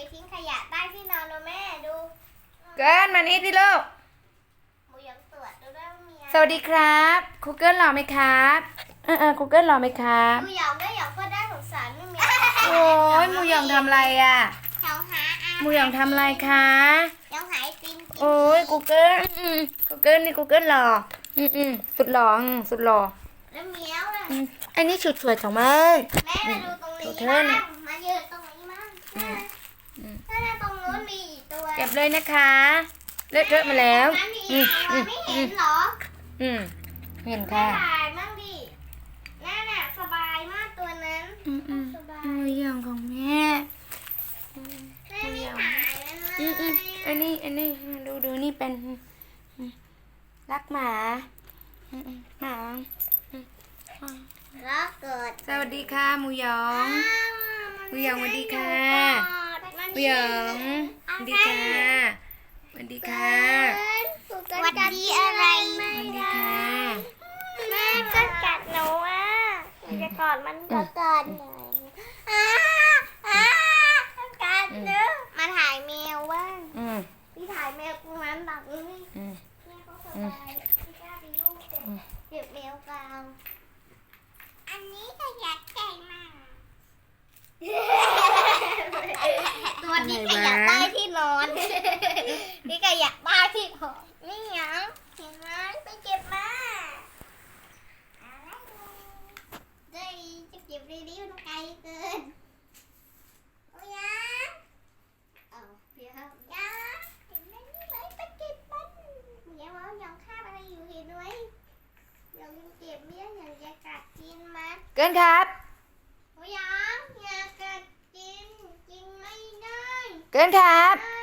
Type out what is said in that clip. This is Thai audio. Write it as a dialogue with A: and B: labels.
A: ทิ้งขยะใต้ที่นอนนะแม่ดู
B: เกินมานี่สิลูก
A: หมูยังตรวจดูด้วยว่ามีอะไร
B: สวัสดีครับครูเกิลหล่อไหมครับครูเกิลหล่อไหมครับ
A: หมูหยองด้วยหยองก็ได้สงสารไม่มี
B: โอ้ยหมูหยองทำอะไรอ่ะ
A: หยองหาอา
B: หมูหยองทำอะไรคะ
A: หยองหาไอติมกิน
B: โอ้ยกูเกิลกูเกิลนี่กูเกิลหล่อสุดหล่อสุดหล่อ
A: แล้วเมียวล่ะ
B: อันนี้ชุดสวยของมัน
A: แม่มาดูตรงนี้
B: เธอ
A: บ้าง
B: เนี่ย
A: มายืนตรงนี้บ้างถ้าตรงนู้นมีอีกตัว
B: เก็บเลยนะคะเลอะเทอะมาแล้ว
A: นั้นมีตัวไม่เห็นเหรอ
B: เห็น
A: ไม่
B: ค่ะ
A: ถ่ายบ้างดินั่นน่ะสบายมากตัวนั้นสบาย
B: หมูหยองของแม่
A: แม่ไม่ถ่ายมันเลย
B: อันนี้ดูนี่เป็นรักหมาหมา
A: แล้วเกิด
B: สวัสดีค่ะหมูหยอง หมูหยองสวัสดีค่ะ หมูหยองสวัสดีค่ะสวัสดีค่ะ
A: สวัสดีอะไร
B: สวัสดีค่ะ
A: แม่ก็กัดหนูอ่ะจะกอดมันก็กอดหน่อยกัดเนอะมาถ่ายแมวบ้างพี่ถ่ายแมวตรงนั้นแบบนี้แม่เขาสบายพี่กล้าไปยุ่งเจ็บแมวกลางอันนี้ก็อยากแก่งมากตัวนี้ก็อยากได้ที่นอนนี่ก็อยากได้ที่นอนนี่ยังเห็นไหมไปเก็บมาได้จะเก็บได้ดีมันไกลเกินโอ้ยยังเอาเดี๋ยวยังเห็นไหมนี่เลยไปเก็บมันเดี๋ยวเอายังคาบอะไรอยู่เห็นไหมยังเก็บเบี้ยยังจะกัดกินมัน
B: เกินครับ
A: โอ้ยยังอย่ากัดกินไม่ได้
B: เกินครับ
A: ได้